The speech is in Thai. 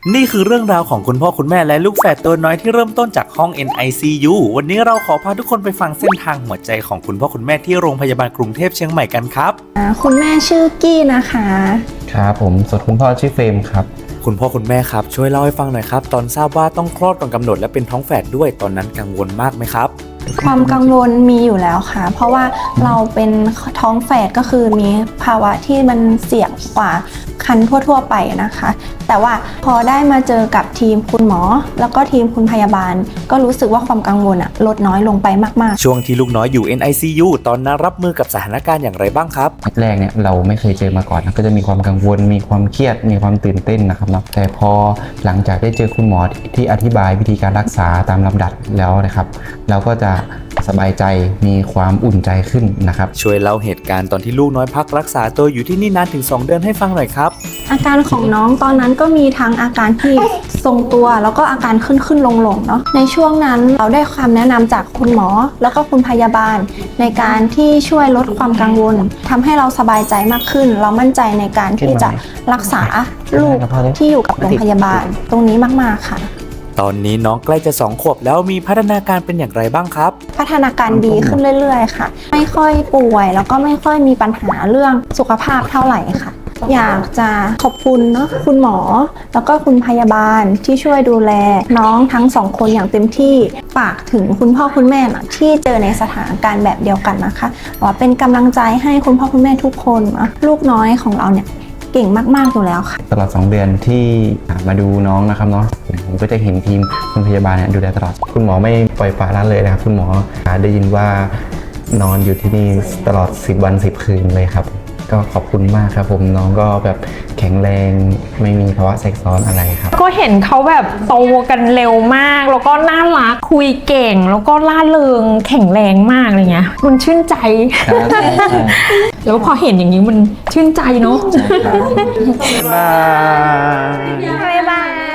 นี่คือเรื่องราวของคุณพ่อคุณแม่และลูกแฝดตัวน้อยที่เริ่มต้นจากห้อง NICU วันนี้เราขอพาทุกคนไปฟังเส้นทางหัวใจของคุณพ่อคุณแม่ที่โรงพยาบาลกรุงเทพเชียงใหม่กันครับคุณแม่ชื่อกี้นะคะครับผมส่วนคุณพ่อชื่อเฟรมครับคุณพ่อคุณแม่ครับช่วยเล่าให้ฟังหน่อยครับตอนทราบว่าต้องคลอดก่อนกำหนดและเป็นท้องแฝดด้วยตอนนั้นกังวลมากไหมครับความกังวลมีอยู่แล้วค่ะเพราะว่าเราเป็นท้องแฝดก็คือมีภาวะที่มันเสี่ยงกว่าคันทั่วๆไปนะคะแต่ว่าพอได้มาเจอกับทีมคุณหมอแล้วก็ทีมคุณพยาบาลก็รู้สึกว่าความกังวลลดน้อยลงไปมากๆช่วงที่ลูกน้อยอยู่ NICU ตอนนั้นรับมือกับสถานการณ์อย่างไรบ้างครับแรกเนี่ยเราไม่เคยเจอมาก่อนก็จะมีความกังวลมีความเครียดมีความตื่นเต้นนะครับเนาะแต่พอหลังจากได้เจอคุณหมอที่อธิบายวิธีการรักษาตามลำดับแล้วนะครับเราก็จะสบายใจมีความอุ่นใจขึ้นนะครับช่วยเล่าเหตุการณ์ตอนที่ลูกน้อยพักรักษาตัวอยู่ที่นี่นานถึง2 เดือนให้ฟังหน่อยครับอาการของน้องตอนนั้นก็มีทั้งอาการที่ทรงตัวแล้วก็อาการขึ้นลงเนาะในช่วงนั้นเราได้ความแนะนำจากคุณหมอแล้วก็คุณพยาบาลในการที่ช่วยลดความกังวลทำให้เราสบายใจมากขึ้นเรามั่นใจในการที่จะรักษาลูกที่อยู่กับโรงพยาบาลตรงนี้มากๆค่ะตอนนี้น้องใกล้จะ2 ขวบแล้วมีพัฒนาการเป็นอย่างไรบ้างครับพัฒนาการดีขึ้นเรื่อยๆค่ะไม่ค่อยป่วยแล้วก็ไม่ค่อยมีปัญหาเรื่องสุขภาพเท่าไหร่ค่ะอยากจะขอบคุณเนาะคุณหมอแล้วก็คุณพยาบาลที่ช่วยดูแลน้องทั้ง2 คนอย่างเต็มที่ฝากถึงคุณพ่อคุณแม่นะที่เจอในสถานการณ์แบบเดียวกันนะคะว่าเป็นกำลังใจให้คุณพ่อคุณแม่ทุกคนนะลูกน้อยของเราเนี่ยเก่งมากๆอยู่แล้วค่ะตลอด2 เดือนที่มาดูน้องนะครับเนาะผมก็จะเห็นทีมคุณพยาบาลเนี่ยดูแลตลอดคุณหมอไม่ปล่อยปละละเลยนะครับคุณหมอได้ยินว่านอนอยู่ที่นี่ตลอด10 วัน 10 คืนเลยครับก็ขอบคุณมากครับผมน้องก็แบบแข็งแรงไม่มีภาวะแทรกซ้อนอะไรครับก็เห็นเขาแบบโตกันเร็วมากแล้วก็น่ารักคุยเก่งแล้วก็ล่าเริงแข็งแรงมากอะไรเงี้ยมันชื่นใจแล้วพอเห็นอย่างนี้มันชื่นใจเนาะบ๊ายบาย